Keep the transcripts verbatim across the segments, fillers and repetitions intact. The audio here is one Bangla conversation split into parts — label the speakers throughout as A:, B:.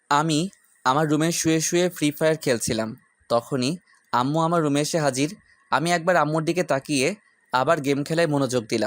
A: আমি আমার রুমে শুয়ে শুয়ে ফ্রি ফায়ার খেলছিলাম। তখনই আম্মু আমার রুমে এসে হাজির। আমি একবার আম্মুর দিকে তাকিয়ে আবার গেম খেলায় মনোযোগ দিলাম।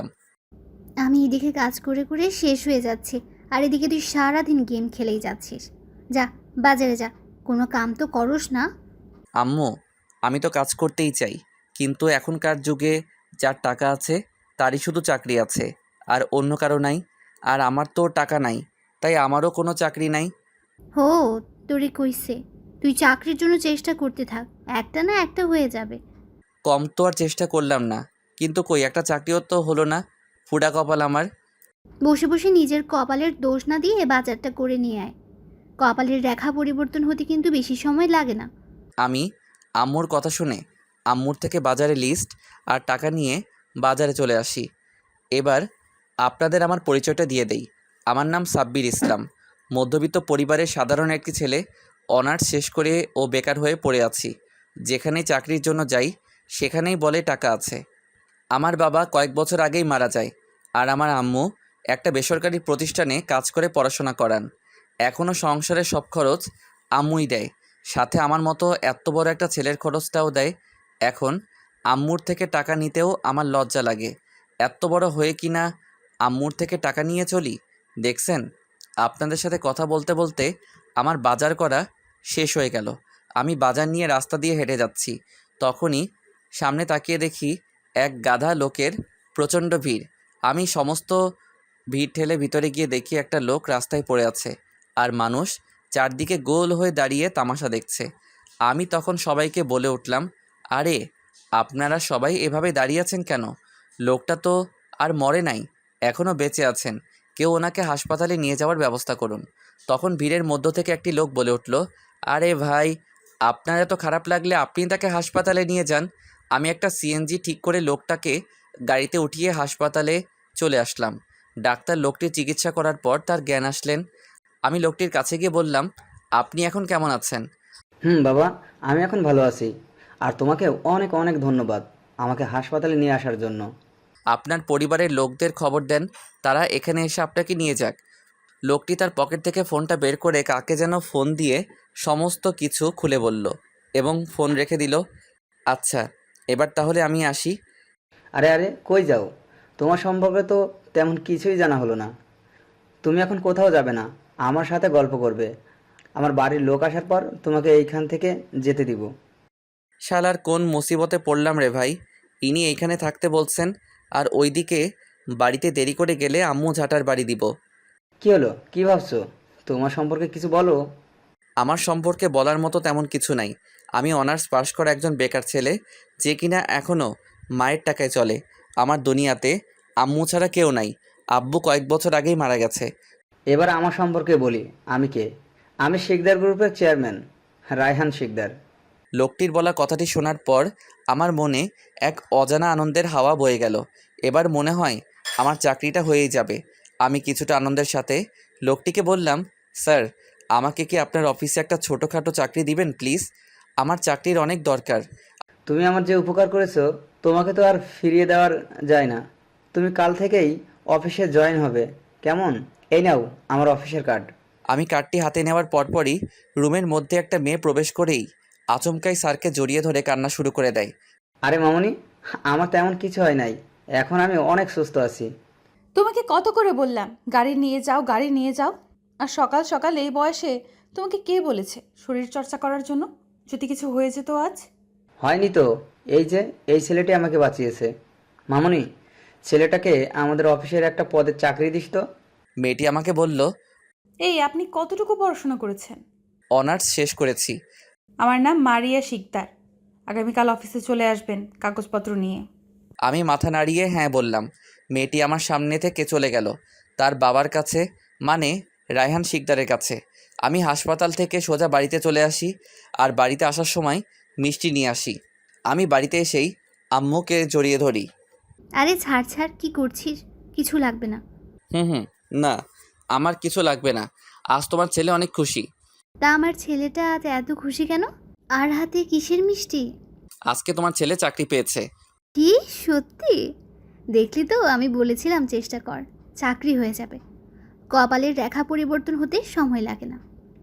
B: আমি এদিকে কাজ করে করে শেষ হয়ে যাচ্ছি, আর এদিকে তুই সারাদিন গেম খেলেই যাচ্ছিস। যা, বাজারে যা, কোনো কাম তো করস না।
A: আম্মু, আমি তো কাজ করতেই চাই, কিন্তু এখনকার যুগে যার টাকা আছে তারই শুধু চাকরি আছে, আর অন্য কারো নাই। আর আমার তো টাকা নাই, তাই আমারও কোনো চাকরি নাই।
B: হো, তোরে কইছে, তুই চাকরির জন্য চেষ্টা করতে থাক, একটা না একটা হয়ে যাবে।
A: কম তো আর চেষ্টা করলাম না, কিন্তু কই একটা চাকরিও তো হলো না। ফুডা কপাল আমার।
B: বসে বসে নিজের কপালের দোষ না দিয়ে বাজারটা করে নিয়ে আয়। কপালের রেখা পরিবর্তন হতে কিন্তু বেশি সময় লাগে না।
A: আমি আম্মুর কথা শুনে আম্মুর থেকে বাজারে লিস্ট আর টাকা নিয়ে বাজারে চলে আসি। এবার আপনাদের আমার পরিচয়টা দিয়ে দেই। আমার নাম সাব্বির ইসলাম, মধ্যবিত্ত পরিবারের সাধারণ একটি ছেলে। অনার্স শেষ করে ও বেকার হয়ে পড়ে আছি। যেখানেই চাকরির জন্য যাই সেখানেই বলে টাকা আছে। আমার বাবা কয়েক বছর আগেই মারা যায়, আর আমার আম্মু একটা বেসরকারি প্রতিষ্ঠানে কাজ করে পড়াশোনা করান। এখনও সংসারের সব খরচ আম্মুই দেয়, সাথে আমার মতো এত বড় একটা ছেলের খরচটাও দেয়। এখন আম্মুর থেকে টাকা নিতেও আমার লজ্জা লাগে। এত বড় হয়ে কি না আম্মুর থেকে টাকা নিয়ে চলি। দেখছেন, আপনাদের সাথে কথা বলতে বলতে আমার বাজার করা শেষ হয়ে গেল। আমি বাজার নিয়ে রাস্তা দিয়ে হেঁটে যাচ্ছি, তখনই সামনে তাকিয়ে দেখি এক গাধা লোকের প্রচণ্ড ভিড়। আমি সমস্ত ভিড় ঠেলে ভিতরে গিয়ে দেখি একটা লোক রাস্তায় পড়ে আছে, আর মানুষ চারদিকে গোল হয়ে দাঁড়িয়ে তামাশা দেখছে। আমি তখন সবাইকে বলে উঠলাম, আরে আপনারা সবাই এভাবে দাঁড়িয়ে আছেন কেন? লোকটা তো আর মরে নাই, এখনও বেঁচে আছেন। কেউ ওনাকে হাসপাতালে নিয়ে যাওয়ার ব্যবস্থা করুন। তখন ভিড়ের মধ্য থেকে একটি লোক বলে উঠল, আরে ভাই, আপনার এত খারাপ লাগলে আপনি তাকে হাসপাতালে নিয়ে যান। আমি একটা সিএনজি ঠিক করে লোকটাকে গাড়িতে উঠিয়ে হাসপাতালে চলে আসলাম। ডাক্তার লোকটির চিকিৎসা করার পর তার জ্ঞান আসলেন। আমি লোকটির কাছে গিয়ে বললাম, আপনি এখন কেমন আছেন?
C: হুম বাবা, আমি এখন ভালো আছি। আর তোমাকে অনেক অনেক ধন্যবাদ আমাকে হাসপাতালে নিয়ে আসার জন্য।
A: আপনার পরিবারের লোকদের খবর দেন, তারা এখানে এসে আপনাকে নিয়ে যাক। লোকটি তার পকেট থেকে ফোনটা বের করে কাকে যেন ফোন দিয়ে সমস্ত কিছু খুলে বলল এবং ফোন রেখে দিল। আচ্ছা, এবার তাহলে আমি আসি।
C: আরে আরে, কই যাও? তোমার সম্পর্কে তো তেমন কিছুই জানা হলো না। তুমি এখন কোথাও যাবে না, আমার সাথে গল্প করবে। আমার বাড়ির লোক আসার পর তোমাকে এইখান থেকে যেতে দিব।
A: শালার কোন মুসিবতে পড়লাম রে ভাই। ইনি এইখানে থাকতে বলছেন, আর ওইদিকে বাড়িতে দেরি করে গেলে আম্মু ঝাঁটার বাড়ি দিব।
C: কি হলো, কি ভাবছো? তোমার সম্পর্কে কিছু বলো।
A: আমার সম্পর্কে বলার মতো তেমন কিছু নাই। আমি অনার্স পাশ করা একজন বেকার ছেলে, যে কিনা এখনও মায়ের টাকায় চলে। আমার দুনিয়াতে আম্মু ছাড়া কেউ নাই। আব্বু কয়েক বছর আগেই মারা গেছে।
C: এবার আমার সম্পর্কে বলি, আমি কে। আমি শিকদার গ্রুপের চেয়ারম্যান, রায়হান শিকদার।
A: লোকটির বলা কথাটি শোনার পর আমার মনে এক অজানা আনন্দের হাওয়া বয়ে গেল। এবার মনে হয় আমার চাকরিটা হয়েই যাবে। আমি কিছুটা আনন্দের সাথে লোকটিকে বললাম, স্যার, আমাকে কি আপনার অফিসে একটা ছোটোখাটো চাকরি দিবেন প্লিজ? আমার চাকরির অনেক দরকার।
C: তুমি আমার যে উপকার করেছো, তোমাকে তো আর ফিরিয়ে দেওয়ার যায় না। তুমি কাল থেকেই অফিসে জয়েন হবে, কেমন? এই নাও আমার অফিসের কার্ড।
A: আমি কার্ডটি হাতে নেওয়ার পরপরই রুমের মধ্যে একটা মেয়ে প্রবেশ করেই আচমকাই স্যারকে জড়িয়ে ধরে কান্না শুরু করে দেয়।
C: আরে মামুনি, আমার তেমন কিছু হয় নাই। এখন আমি অনেক সুস্থ আছি।
D: তোমাকে কত করে বললাম গাড়ি নিয়ে যাও, গাড়ি নিয়ে যাও। আর সকাল সকাল এই বয়সে তোমাকে কে বলেছে শরীর চর্চা করার জন্য? যদি কিছু হয়ে যেত আজ।
C: হয়নি তো, এই যে এই ছেলেটি আমাকে বাঁচিয়েছে। মামুনি, ছেলেটাকে আমাদের অফিসের একটা পদের চাকরি দিস তো।
A: মেয়েটি আমাকে বলল,
D: এই, আপনি কতটুকু পড়াশোনা করেছেন?
A: অনার্স শেষ করেছি।
D: আমার নাম মারিয়া শিকদার। আগামীকাল অফিসে চলে আসবেন কাগজপত্র নিয়ে।
A: আমি মাথা নাড়িয়ে হ্যাঁ বললাম। মেয়েটি আমার সামনে থেকে চলে গেল তার বাবার কাছে, মানে রায়হান শিকদারের কাছে। আমি হাসপাতাল থেকে সোজা বাড়িতে চলে আসি, আর বাড়িতে আসার সময় মিষ্টি নিয়ে আসি। আমি বাড়িতে এসেই আম্মুকে জড়িয়ে ধরি।
B: আরে ছাড় ছাড়, কি করছিস? কিছু লাগবে না।
A: হুম হুম, না, আমার কিছু লাগবে না। আজ তোমার ছেলে অনেক খুশি।
B: তা আমার ছেলেটা আজ এত খুশি কেন? আর হাতে কিসের মিষ্টি?
A: আজকে তোমার ছেলে চাকরি পেয়েছে।
B: কি, সত্যি? দেখলি তো, আমি বলেছিলাম চেষ্টা কর, চাকরি হয়ে যাবে। কপালের রেখা পরিবর্তন হতে সময় লাগে না।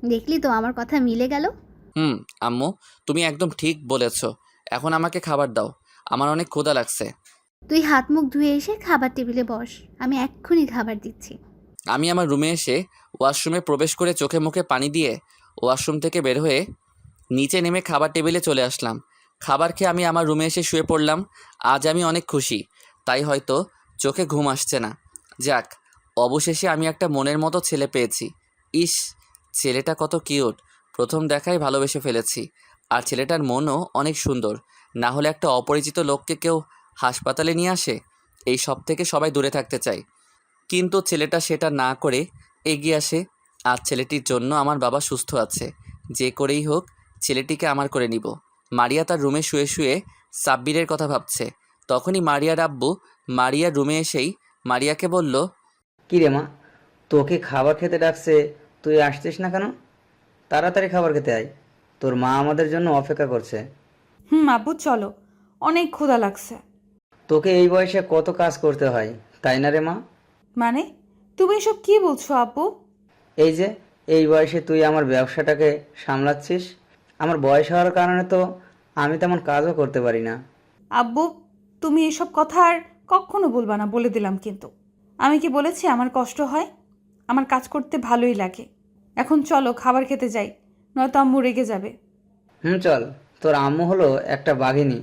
B: দেখলি তো আমার কথা মিলে গেল।
A: হুম আম্মু, তুমি একদম ঠিক বলেছ। এখন আমাকে খাবার দাও, আমার অনেক ক্ষুধা লাগছে।
B: তুই হাত মুখ ধুয়ে এসে খাবার টেবিলে বস, আমি এক্ষুনি খাবার দিচ্ছি।
A: আমি আমার রুমে এসে ওয়াশরুমে প্রবেশ করে চোখে মুখে পানি দিয়ে ওয়াশরুম থেকে বের হয়ে নিচে নেমে খাবার টেবিলে চলে আসলাম। খাবার খেয়ে আমি আমার রুমে এসে শুয়ে পড়লাম। আজ আমি অনেক খুশি, তাই হয়তো চোখে ঘুম আসছে না। যাক, অবশেষে আমি একটা মনের মতো ছেলে পেয়েছি। ইস, ছেলেটা কত কিউট, প্রথম দেখায় ভালোবেসে ফেলেছি। আর ছেলেটার মনও অনেক সুন্দর, না হলে একটা অপরিচিত লোককে কেউ হাসপাতালে নিয়ে আসে? এই সব থেকে সবাই দূরে থাকতে চায়, কিন্তু ছেলেটা সেটা না করে এগিয়ে আসে। আর ছেলেটির জন্য আমার বাবা সুস্থ আছে। যে করেই হোক ছেলেটিকে আমার করে নিব। মারিয়া তার রুমে শুয়ে শুয়ে সাব্বিরের কথা ভাবছে। তখনই মারিয়ার আব্বু মারিয়ার রুমে এসেই মারিয়াকে বলল,
C: কী রে মা, তোকে খাবার খেতে ডাকছে, তুই আসছিস না কেন? তাড়াতাড়ি খাবার খেতে আয়, তোর মা আমাদের জন্য অপেক্ষা করছে।
D: হুম আব্বু চলো, অনেক ক্ষুধা লাগছে।
C: তোকে এই বয়সে কত কাজ করতে হয়, তাই না রে মা?
D: মানে তুমি এসব কি বলছো আব্বু?
C: এই যে এই বয়সে তুই আমার ব্যবসাটাকে সামলাচ্ছিস, আমার বয়স হওয়ার কারণে তো আমি তেমন কাজও করতে পারি না।
D: আব্বু তুমি এসব কথা আর কখনো বলবা না, বলে দিলাম কিন্তু। আমি কি বলেছি আমার কষ্ট হয়? আমার কাজ করতে ভালোই লাগে। এখন চলো খাবার খেতে যাই, নয়তো আম্মু রেগে যাবে।
C: হুম চল, তোর আম্মু হলো একটা বাঘিনী।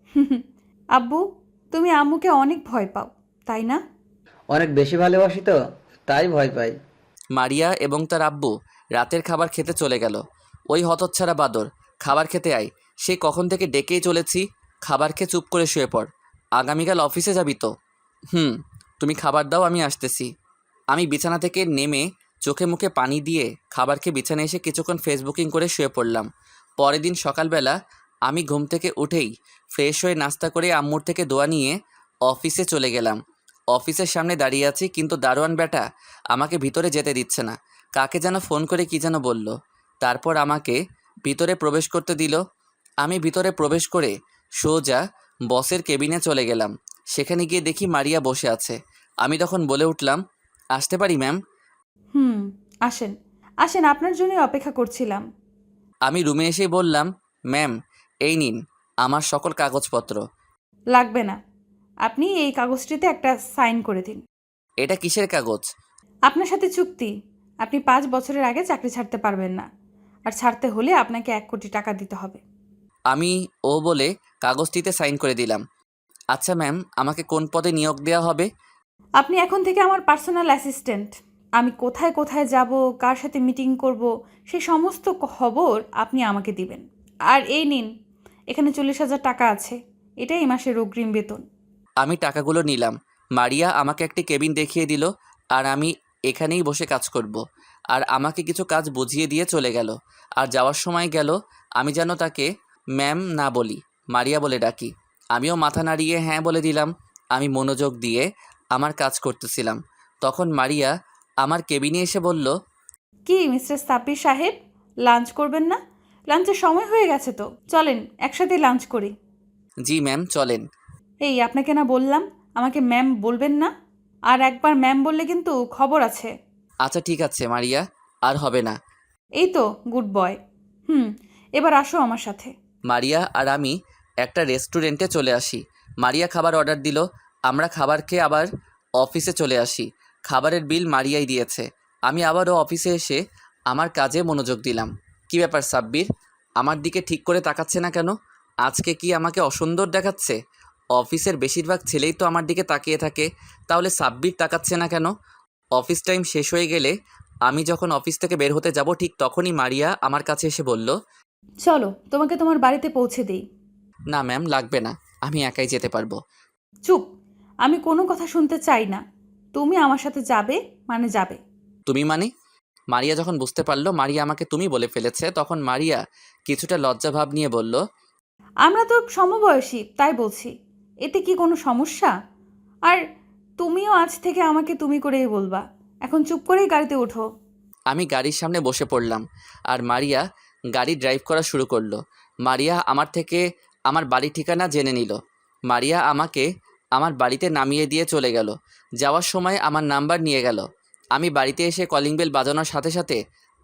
D: আব্বু তুমি আম্মুকে অনেক ভয় পাও, তাই না?
C: অনেক বেশি ভালোবাসি তো, তাই ভয় পাই।
A: মারিয়া এবং তার আব্বু রাতের খাবার খেতে চলে গেল। ওই হতচ্ছাড়া বাদর, খাবার খেতে আয়। সে কখন থেকে ডেকেই চলেছি, খাবার খেয়ে চুপ করে শুয়ে পড়। আগামীকাল অফিসে যাবি তো? হুম, তুমি খাবার দাও, আমি আসতেছি। আমি বিছানা থেকে নেমে চোখে মুখে পানি দিয়ে খাবার খেয়ে বিছানায় এসে কিছুক্ষণ ফেসবুকিং করে শুয়ে পড়লাম। পরের দিন সকালবেলা আমি ঘুম থেকে উঠেই ফ্রেশ হয়ে নাস্তা করে আম্মুর থেকে দোয়া নিয়ে অফিসে চলে গেলাম। অফিসের সামনে দাঁড়িয়ে আছি, কিন্তু দারোয়ান বেটা আমাকে ভিতরে যেতে দিচ্ছে না। কাকে যেন ফোন করে কী যেন বলল, তারপর আমাকে ভিতরে প্রবেশ করতে দিল। আমি ভিতরে প্রবেশ করে সোজা বসের কেবিনে চলে গেলাম। সেখানে গিয়ে দেখি মারিয়া বসে আছে। আমি তখন বলে উঠলাম, আসতে পারি ম্যাম?
D: হুম আসেন, আসেন, আপনার জন্যই অপেক্ষা করছিলাম।
A: আমি রুমে এসেই বললাম, ম্যাম এই নিন আমার সকল কাগজপত্র।
D: লাগবে না, আপনি এই কাগজটিতে একটা সাইন করে দিন।
A: এটা কিসের কাগজ?
D: আপনার সাথে চুক্তি, আপনি পাঁচ বছরের আগে চাকরি ছাড়তে পারবেন না, আর ছাড়তে হলে আপনাকে এক কোটি টাকা দিতে হবে।
A: আমি ও বলে কাগজটিতে সাইন করে দিলাম। আচ্ছা ম্যাম, আমাকে কোন পদে নিয়োগ দেওয়া হবে?
D: আপনি এখন থেকে আমার পার্সোনাল অ্যাসিস্ট্যান্ট। আমি কোথায় কোথায় যাব, কার সাথে মিটিং করব, সেই সমস্ত খবর আপনি আমাকে দিবেন। আর এই নিন, এখানে চল্লিশ হাজার টাকা আছে, এটাই এই মাসের অগ্রিম বেতন।
A: আমি টাকাগুলো নিলাম। মারিয়া আমাকে একটি কেবিন দেখিয়ে দিল, আর আমি এখানেই বসে কাজ করব। আর আমাকে কিছু কাজ বুঝিয়ে দিয়ে চলে গেল। আর যাওয়ার সময় গেল আমি যেন তাকে ম্যাম না বলি, মারিয়া বলে ডাকি। আমিও মাথা নাড়িয়ে হ্যাঁ বলে দিলাম। আমি মনোযোগ দিয়ে আমার কাজ করতেছিলাম। তখন মারিয়া আমার কেবিনে এসে বলল,
D: কি মিস্টার সাব্বির সাহেব, লাঞ্চ করবেন না? লাঞ্চের সময় হয়ে গেছে তো, চলেন একসাথে লাঞ্চ করি।
A: জি ম্যাম চলেন।
D: এই আপনাকে না বললাম আমাকে ম্যাম বলবেন না? আর একবার ম্যাম বললে কিন্তু খবর আছে।
A: আচ্ছা ঠিক আছে মারিয়া, আর হবে না।
D: এই তো গুড বয়। হুম, এবার আসো আমার সাথে।
A: মারিয়া আর আমি একটা রেস্টুরেন্টে চলে আসি। মারিয়া খাবার অর্ডার দিল। আমরা খাবার খেয়ে আবার অফিসে চলে আসি। খাবারের বিল মারিয়াই দিয়েছে। আমি আবারও অফিসে এসে আমার কাজে মনোযোগ দিলাম। কি ব্যাপার সাব্বির, আমার দিকে ঠিক করে তাকাচ্ছে না কেন? আজকে কি আমাকে অসুন্দর দেখাচ্ছে? অফিসের বেশিরভাগ ছেলেই তো আমার দিকে তাকিয়ে থাকে, তাহলে সাব্বির তাকাচ্ছে না কেন? অফিস টাইম শেষ হয়ে গেলে আমি যখন অফিস থেকে বের হতে যাব, ঠিক তখনই মারিয়া আমার কাছে এসে বলল,
D: চলো তোমাকে তোমার বাড়িতে পৌঁছে দিই।
A: না ম্যাম লাগবে না, আমি একাই যেতে পারবো।
D: চুপ, আমি কোনো কথা শুনতে চাই না। তুমি আমার সাথে যাবে মানে যাবে।
A: তুমি মানে? মারিয়া যখন বুঝতে পারলো মারিয়া আমাকে তুমি বলে ফেলেছে, তখন মারিয়া কিছুটা লজ্জাভাব নিয়ে বলল,
D: আমরা তো সমবয়সী, তাই বলছি। এতে কি কোনো সমস্যা? আর তুমিও আজ থেকে আমাকে তুমি করেই বলবা। এখন চুপ করেই গাড়িতে ওঠো।
A: আমি গাড়ির সামনে বসে পড়লাম, আর মারিয়া গাড়ি ড্রাইভ করা শুরু করলো। মারিয়া আমার থেকে আমার বাড়ি ঠিকানা জেনে নিল। মারিয়া আমাকে আমার বাড়িতে নামিয়ে দিয়ে চলে গেল। যাওয়ার সময় আমার নাম্বার নিয়ে গেল। আমি বাড়িতে এসে কলিং বেল বাজানোর সাথে সাথে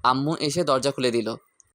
A: আম্মু এসে দরজা খুলে দিল।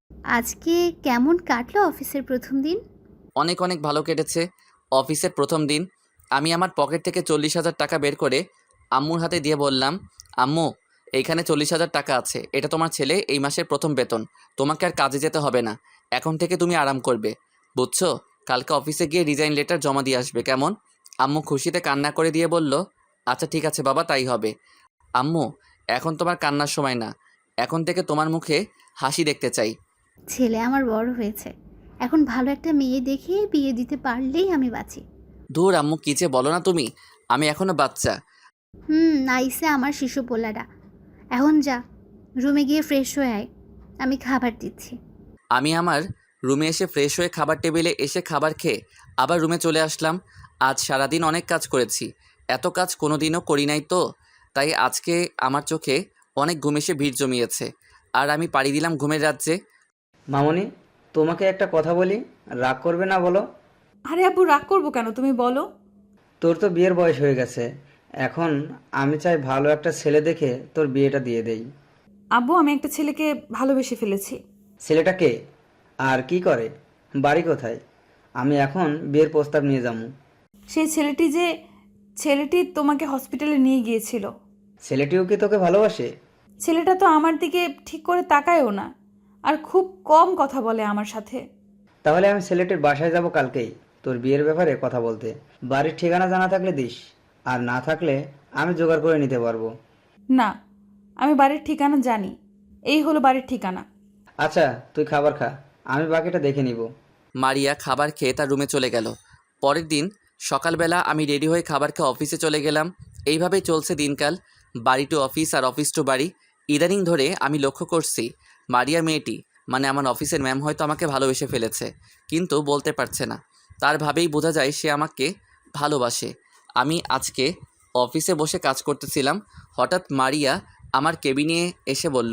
B: আজকে কেমন কাটলো অফিসের প্রথম দিন?
A: অনেক অনেক ভালো কেটেছে। অফিসের প্রথম দিন। আমি আমার পকেট থেকে চল্লিশ হাজার টাকা বের করে আম্মুর হাতে দিয়ে বললাম, আম্মু এইখানে চল্লিশ হাজার টাকা আছে, এটা তোমার ছেলে এই মাসের প্রথম বেতন। তোমাকে আর কাজে যেতে হবে না, এখন থেকে তুমি আরাম করবে, বুঝছো? কালকে অফিসে গিয়ে রিজাইন লেটার জমা দিয়ে আসবে, কেমন? আম্মু খুশিতে কান্না করে দিয়ে বলল, আচ্ছা ঠিক আছে বাবা, তাই হবে। আম্মু এখন তোমার কান্নার সময় না, এখন থেকে তোমার মুখে হাসি দেখতে চাই।
B: ছেলে আমার বড় হয়েছে, এখন ভালো একটা মেয়ে দেখে বিয়ে দিতে পারলেই আমি বাঁচি।
A: ধুর আম্মু, কী যে বলো না তুমি, আমি এখনো বাচ্চা।
B: হুম, নাইসে আমার শিশু পোলাটা। এখন যা, রুমে গিয়ে ফ্রেশ হয়ে আয়, আমি খাবার দিচ্ছি।
A: আমি আমার রুমে এসে ফ্রেশ হয়ে খাবার টেবিলে এসে খাবার খেয়ে আবার রুমে চলে আসলাম। আজ সারাদিন অনেক কাজ করেছি, এত কাজ কোনো দিনও করি নাই তো, তাই আজকে আমার চোখে অনেক ঘুম এসে ভিড় জমিয়েছে, আর আমি পাড়ি দিলাম ঘুমের রাজ্যে।
C: মামনি, তোমাকে একটা কথা বলি, রাগ করবে না বলো?
D: আরে আব্বু, রাগ করবো কেন, তুমি বলো।
C: তোর তো বিয়ের বয়স হয়ে গেছে, এখন আমি চাই ভালো একটা ছেলে দেখে তোর বিয়েটা দিয়ে দেই।
D: আব্বু, আমি একটা ছেলেকে ভালোবেসে ফেলেছি।
C: ছেলেটা কে আর কি করে, বাড়ি কোথায়? আমি এখন বিয়ের প্রস্তাব নিয়ে যাবো।
D: সেই ছেলেটি যে ছেলেটি তোমাকে হসপিটালে নিয়ে গিয়েছিল,
C: ছেলেটিও কি তোকে ভালোবাসে?
D: ছেলেটা তো আমার দিকে ঠিক করে তাকায়ও না, আর খুব কম কথা বলে আমার সাথে।
C: তাহলে আমি ছেলেটির বাসায় যাব কালকেই তোর বিয়ের ব্যাপারে কথা বলতে। বাড়ির ঠিকানা জানা থাকলে দিস, আর না থাকলে আমি জোগাড় করে নিতে পারবো।
D: না, আমি বাড়ির ঠিকানা জানি, এই হলো বাড়ির ঠিকানা।
C: আচ্ছা তুই খাবার খা, আমি বাকিটা দেখে নিব।
A: মারিয়া খাবার খেয়ে তার রুমে চলে গেল। পরের দিন সকালবেলা আমি রেডি হয়ে খাবার খেয়ে অফিসে চলে গেলাম। এইভাবেই চলছে দিনকাল, বাড়ি টু অফিস আর অফিস টু বাড়ি। ইদানিং ধরে আমি লক্ষ্য করছি মারিয়া মেয়েটি, মানে আমার অফিসের ম্যাম, হয়তো আমাকে ভালোবেসে ফেলেছে, কিন্তু বলতে পারছে না। তার ভাবেই বোঝা যায় সে আমাকে ভালোবাসে। আমি আজকে অফিসে বসে কাজ করতেছিলাম, হঠাৎ মারিয়া আমার কেবিনে এসে বলল,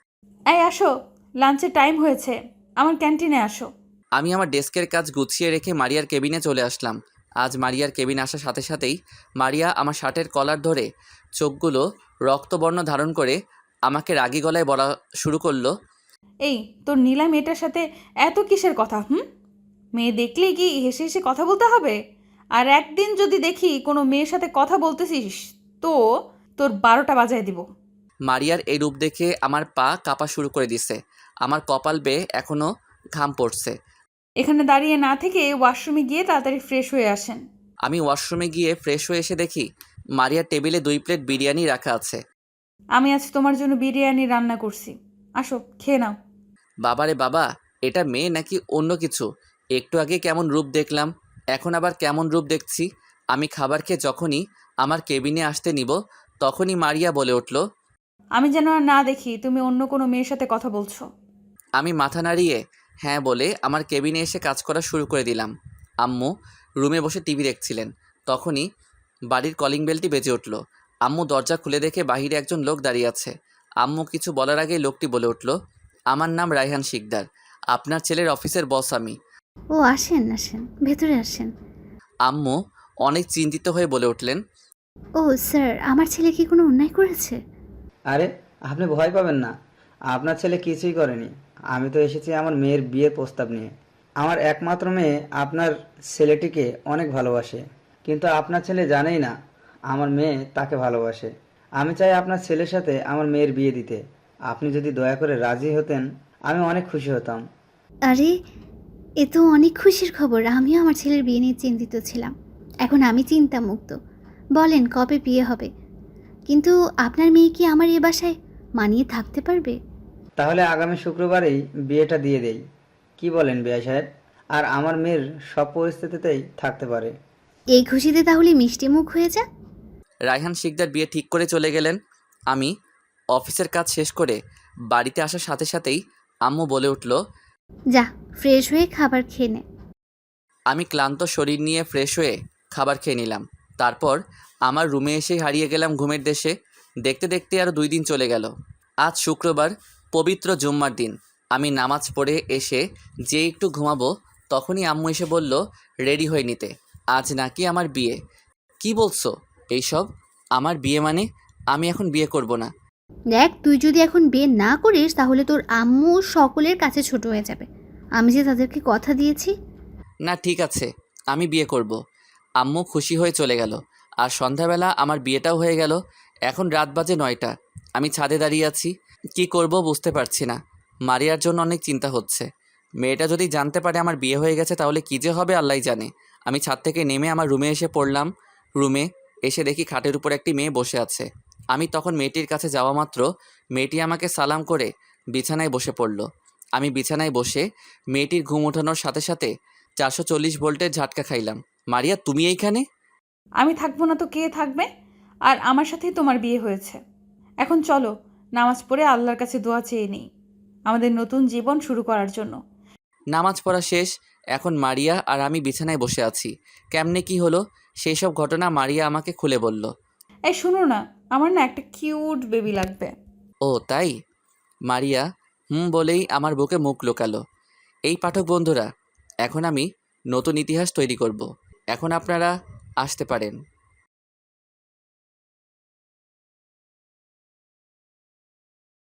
D: এই আসো, লাঞ্চের টাইম হয়েছে, আমার ক্যান্টিনে আসো।
A: আমি আমার ডেস্কের কাজ গুছিয়ে রেখে মারিয়ার কেবিনে চলে আসলাম। আজ মারিয়ার কেবিনে আসার সাথে সাথেই মারিয়া আমার শার্টের কলার ধরে চোখগুলো রক্তবর্ণ ধারণ করে আমাকে রাগী গলায় বলা শুরু করলো,
D: এই তোর নীলা মেয়েটার সাথে এত কিসের কথা? হুম, মেয়ে দেখলেই কি হেসে হেসে কথা বলতে হবে? আর একদিন যদি দেখি কোনো মেয়ের সাথে কথা বলতেছিস, তো তোর বারোটা বাজায় দিব।
A: মারিয়ার এই রূপ দেখে আমার পা কাঁপা শুরু করে দিছে, আমার কপাল বেয়ে এখনও ঘাম পড়ছে।
D: এখানে দাঁড়িয়ে না থেকে ওয়াশরুমে গিয়ে তাড়াতাড়ি ফ্রেশ হয়ে আসেন।
A: আমি ওয়াশরুমে গিয়ে ফ্রেশ হয়ে এসে দেখি মারিয়ার টেবিলে দুই প্লেট বিরিয়ানি রাখা আছে।
D: আমি আজ তোমার জন্য বিরিয়ানি রান্না করছি, আসো খেয়ে নাও।
A: বাবারে বাবা, এটা মেয়ে নাকি অন্য কিছু? একটু আগে কেমন রূপ দেখলাম, এখন আবার কেমন রূপ দেখছি। আমি খাবার খেয়ে যখনই আমার কেবিনে আসতে নিব, তখনই মারিয়া বলে উঠল,
D: আমি যেন আর না দেখি তুমি অন্য কোনো মেয়ের সাথে কথা বলছো।
A: আমি মাথা নাড়িয়ে হ্যাঁ বলে আমার কেবিনে এসে কাজ করা শুরু করে দিলাম। আম্মু রুমে বসে টিভি দেখছিলেন, তখনই বাড়ির কলিং বেলটি বেজে উঠল। আম্মু দরজা খুলে দেখে বাহিরে একজন লোক দাঁড়িয়ে আছে। আম্মু কিছু বলার আগেই লোকটি বলে উঠল, আমার নাম রায়হান শিকদার, আপনার ছেলের অফিসের বস আমি।
B: ও আসেন আসেন, ভেতরে আসেন।
A: আম্মু অনেক চিন্তিত হয়ে বলে উঠলেন,
B: ও স্যার, আমার ছেলে কি কোনো অন্যায় করেছে?
C: আরে আপনি ভয় পাবেন না, আপনার ছেলে কিছুই করেনি। আমি তো এসেছি আমার মেয়ের বিয়ের প্রস্তাব নিয়ে। আমার একমাত্র মেয়ে আপনার ছেলেটিকে অনেক ভালোবাসে, কিন্তু আপনার ছেলে জানেই না আমার মেয়ে তাকে ভালোবাসে। আমি চাই আপনার ছেলের সাথে আমার মেয়ের বিয়ে দিতে। আপনি যদি দয়া করে রাজি হতেন আমি অনেক খুশি হতাম।
B: আরে, এ তো অনেক খুশির খবর। আমিও আমার ছেলের বিয়ে নিয়ে চিন্তিত ছিলাম, এখন আমি চিন্তামুক্ত। বলেন কবে বিয়ে হবে? কিন্তু আপনার মেয়ে কি আমার এ বাসায় মানিয়ে থাকতে পারবে?
C: তাহলে আগামী শুক্রবারেই বিয়েটা দিয়ে দেই, কি বলেন বিয়া সাহেব? আর আমার মেয়ের সব পরিস্থিতিতেই থাকতে পারে।
B: এই খুশিতে তাহলে মিষ্টি মুখ হয়ে যা।
A: রায়হান শিকদার বিয়ে ঠিক করে চলে গেলেন। আমি অফিসের কাজ শেষ করে বাড়িতে আসার সাথে সাথেই আম্মু বলে উঠল,
B: যা, ফ্রেশ হয়ে খাবার খেয়ে নে।
A: আমি ক্লান্ত শরীর নিয়ে ফ্রেশ হয়ে খাবার খেয়ে নিলাম। তারপর আমার রুমে এসেই হারিয়ে গেলাম ঘুমের দেশে। দেখতে দেখতে আরও দুই দিন চলে গেল। আজ শুক্রবার, পবিত্র জুম্মার দিন। আমি নামাজ পড়ে এসে যে একটু ঘুমাবো, তখনই আম্মু এসে বলল রেডি হয়ে নিতে, আজ নাকি আমার বিয়ে। কি বলছো এইসব? আমার বিয়ে মানে? আমি এখন বিয়ে করব না।
B: দেখ, তুই যদি এখন বিয়ে না করিস তাহলে তোর আম্মু সকলের কাছে ছোট হয়ে যাবে। আমি যে তাদেরকে কথা দিয়েছি।
A: না ঠিক আছে, আমি বিয়ে করব। আম্মু খুশি হয়ে চলে গেল। আর সন্ধ্যাবেলা আমার বিয়েটাও হয়ে গেল। এখন রাত বাজে নয়টা। আমি ছাদে দাঁড়িয়ে আছি, কি করব বুঝতে পারছি না। মারিয়ার জন্য অনেক চিন্তা হচ্ছে। মেয়েটা যদি জানতে পারে আমার বিয়ে হয়ে গেছে তাহলে কী যে হবে আল্লাহই জানে। আমি ছাদ থেকে নেমে আমার রুমে এসে পড়লাম। রুমে এসে দেখি খাটের উপর একটি মেয়ে বসে আছে। আমি তখন মেয়েটির কাছে যাওয়া মাত্র মেয়েটি আমাকে সালাম করে বিছানায় বসে পড়ল। আমি বিছানায় বসে মেয়েটির ঘুম ওঠানোর সাথে সাথে চারশো চল্লিশ ভোল্টের ঝাটকা খাইলাম। মারিয়া, তুমি এইখানে?
D: আমি থাকবো না তো কে থাকবে? আর আমার সাথেই তোমার বিয়ে হয়েছে। এখন চলো, নামাজ পড়ে আল্লাহর কাছে দোয়া চেয়ে নিই আমাদের নতুন জীবন শুরু করার জন্য।
A: নামাজ পড়া শেষ। এখন মারিয়া আর আমি বিছানায় বসে আছি। কেমনে কি হলো সেই সব ঘটনা মারিয়া আমাকে খুলে বলল।
D: এই শুনো না, আমার না একটা কিউট বেবি লাগবে।
A: ও তাই? মারিয়া হুম বলেই আমার বুকে মুখ লুকালো। এই পাঠক বন্ধুরা, এখন আমি নতুন ইতিহাস তৈরি করব। এখন আপনারা আসতে পারেন।